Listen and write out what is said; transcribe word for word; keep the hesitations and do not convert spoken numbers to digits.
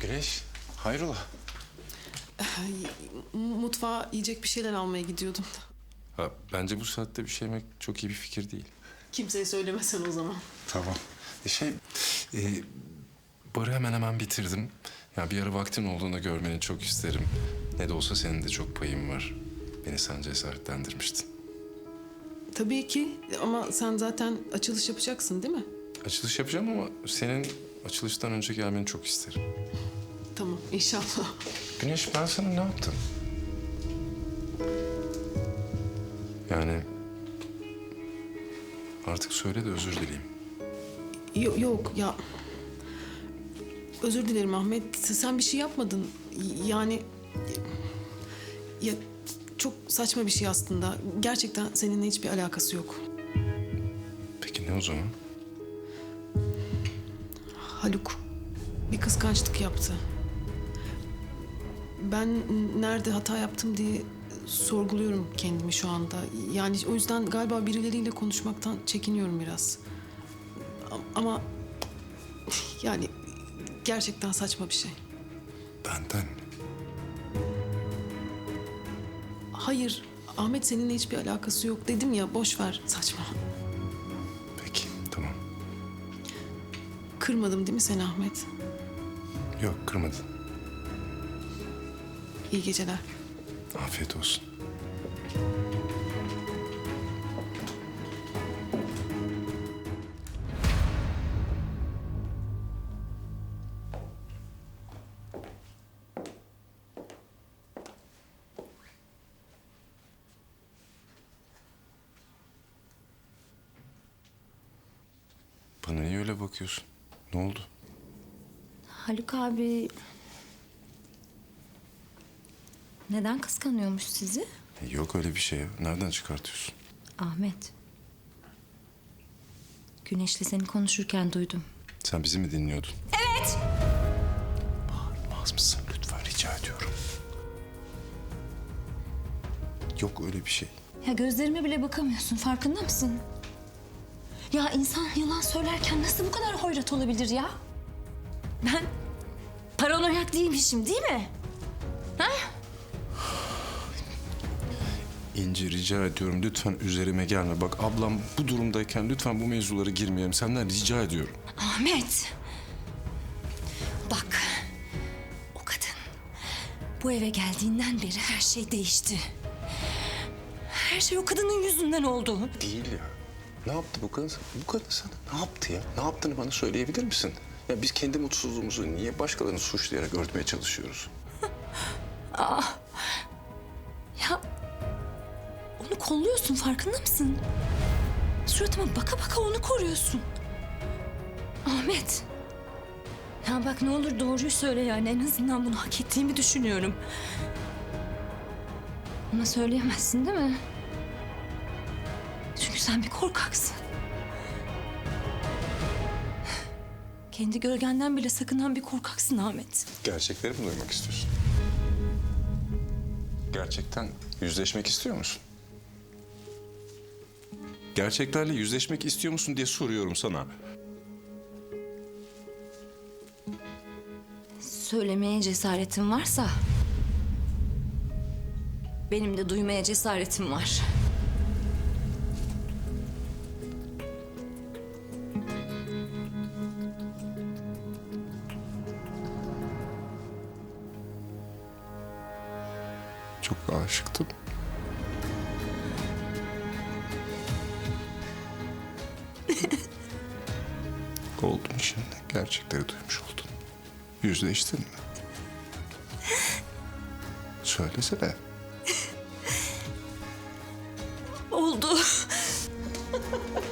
Güneş, hayrola? Mutfağa yiyecek bir şeyler almaya gidiyordum. Ha, bence bu saatte bir şey yemek çok iyi bir fikir değil. Kimseye söylemesen o zaman. Tamam. E şey, e, barı hemen hemen bitirdim. Ya bir ara vaktin olduğunda görmeni çok isterim. Ne de olsa senin de çok payın var. Beni sen cesaretlendirmiştin. Tabii ki ama sen zaten açılış yapacaksın değil mi? Açılış yapacağım ama senin açılıştan önce gelmeni çok isterim. Tamam inşallah. Güneş, ben sana ne yaptım? Yani artık söyle de özür dileyeyim. Yok, yok ya. Özür dilerim Ahmet. Sen bir şey yapmadın. Yani ya çok saçma bir şey aslında. Gerçekten seninle hiçbir alakası yok. Peki ne o zaman? Haluk bir kıskançlık yaptı. Ben nerede hata yaptım diye sorguluyorum kendimi şu anda. Yani o yüzden galiba birileriyle konuşmaktan çekiniyorum biraz. Ama yani gerçekten saçma bir şey. Benden. Hayır, Ahmet seninle hiçbir alakası yok dedim ya, boş ver, saçma. Peki, tamam. Kırmadım değil mi seni Ahmet? Yok, kırmadın. İyi geceler. Afiyet olsun. Bana niye öyle bakıyorsun? Ne oldu? Haluk abi neden kıskanıyormuş sizi? E, Yok öyle bir şey ya. Nereden çıkartıyorsun? Ahmet. Güneş'le seni konuşurken duydum. Sen bizi mi dinliyordun? Evet. Bağırmaz mısın lütfen, rica ediyorum. Yok öyle bir şey. Ya gözlerime bile bakamıyorsun, farkında mısın? Ya insan yalan söylerken nasıl bu kadar hoyrat olabilir ya? Ben paranoyak değilmişim değil mi? Ha? İnci, rica ediyorum lütfen üzerime gelme. Bak ablam bu durumdayken lütfen bu mevzulara girmeyelim. Senden rica ediyorum. Ahmet. Bak. O kadın bu eve geldiğinden beri her şey değişti. Her şey o kadının yüzünden oldu. Değil ya. Ne yaptı bu kadın? Bu kadın sana ne yaptı ya? Ne yaptığını bana söyleyebilir misin? Ya biz kendi mutsuzluğumuzu niye başkalarını suçlayarak örtmeye çalışıyoruz? Ya onu kolluyorsun, farkında mısın? Suratıma baka baka onu koruyorsun. Ahmet. Ya bak ne olur doğruyu söyle yani. En azından bunu hak ettiğimi düşünüyorum. Ona söyleyemezsin değil mi? Çünkü sen bir korkaksın. Kendi gölgenden bile sakınan bir korkaksın Ahmet. Gerçekleri mi duymak istiyorsun? Gerçekten yüzleşmek istiyor musun? Gerçeklerle yüzleşmek istiyor musun diye soruyorum sana. Söylemeye cesaretin varsa benim de duymaya cesaretim var. Çok aşıktım. Oldum şimdi. Gerçekleri duymuş oldun. Yüzleştin mi? Söylesene. Oldu.